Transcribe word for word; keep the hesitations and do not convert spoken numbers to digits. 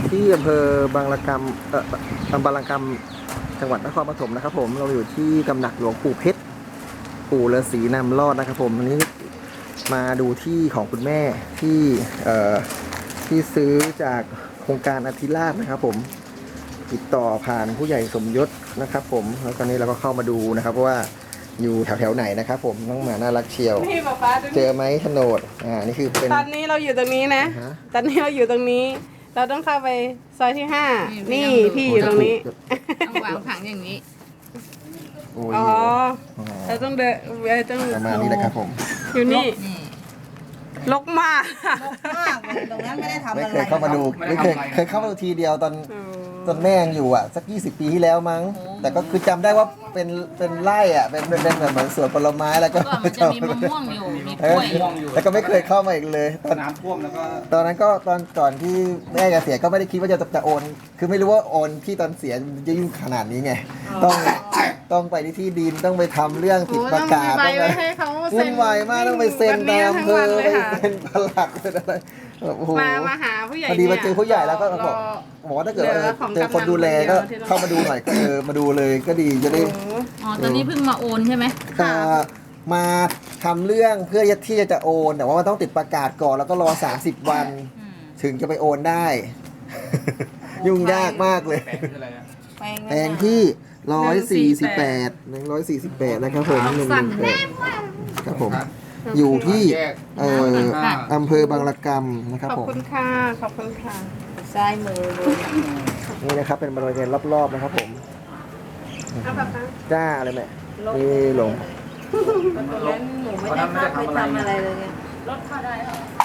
อยู่ที่อำเภอบางระกำเอ่ออำเภอบางระกำจังหวัดนครปฐมนะครับผมเราอยู่ที่ตำหนักหลวงปู่เพชรปู่ฤาษีนำรอดนะครับผมวันนี้มาดูที่ของคุณแม่ที่เอ่อที่ซื้อจากโครงการอธิราชนะครับผมติดต่อผ่านผู้ใหญ่สมยศนะครับผมแล้วตอนนี้เราก็เข้ามาดูนะครับว่าอยู่แถวแถวไหนนะครับผมน้องหมาน่ารักเชียวนี่ป๊าป๊าดูเจอไหมโฉนดอ่านี่คือเป็นตอนนี้เราอยู่ตรงนี้นะอ่าฮะตอนนี้เราอยู่ตรงนี้ เราต้องเข้าไปซอยที่ห้านี่พี่อยู่ตรงนี้ต้องวางผังอย่างนี้โอ้ยอ๋ออ๋อเราต้องเดินเราต้องประมาณนี้แหละครับผมอยู่นี่นี่ลกมากมากเลยตรงนั้นไม่ได้ทำไม่อะไรเคยเข้ามาดูไม่เคยเคยเข้ามาดูทีเดียวตอนโอ้ตอนแม่ยังอยู่อ่ะสักยี่สิบปีที่แล้วมั้ง แต่ก็คือจำได้ว่าเป็นเป็นไร่อ่ะเป็นเป็นเป็นแบบเหมือนสวนผลไม้แล้วก็ก่อนมันจะมีมะม่วงอยู่ มีกเอล้อวยอยู่แล้วก็ไม่เคยเข้ามาอีกเลยตอนน้ำท่วมแล้วก็ตอนนั้นก็ตอนก่อนที่แม่จะเสียก็ไม่ได้คิดว่าจะจะโอน คือไม่รู้ว่าโอนที่ตอนเสียมันจะยุ่งขนาดนี้ไงต้องต้องไปที่ที่ดินต้องไปทำเรื่องติดประกาศไปต้องไว้ไปให้เขาวุ่นวายมากต้องไปเซ็นตามอำเภอเลยไปค่ะเซ็นปลัดเป็นอะไรโอ้โหมามาหาผู้ใหญ่พอดีมาเจอผู้ใหญ่แล้วก็รบอกบอกว่าถ้าเกิดว่าหลือของเจอคนดูแลก็เข้ามาดูหน่อยก็เออมาดูเลยก็ดีจะได้โอ้โหอ๋อ ตอนนี้เพิ่งมาโอนใช่ไหมเอ่อมาทำเรื่องเพื่อที่จะโอน แต่ว่ามันต้องติดประกาศก่อนแล้วก็รอสามสิบวันอืมถึงจะไปโอนได้ ยุ่งยากมากเลยแปลงคืออะไรอะแปลงแปลงที่ร้อยสี่สิบแปดหนึ่งร้อยสี่สิบแปดนะครับผมหนึ่งหนึ่งแปดครับผม อยู่ที่เอ่ออำเภอบางระกำนะครับขอบผมคุณค่ะขอบคุณค่ะซ้ายมือเลยนี่นะครับเป็นบริเวณรอบๆนะครับผมเอาแบบนั้นจ้าอะไรแม่นี่หลงตรงนั้นหนูไม่ได้เข้าไปทำอะไรเลยไงรถเข้าได้เหรอ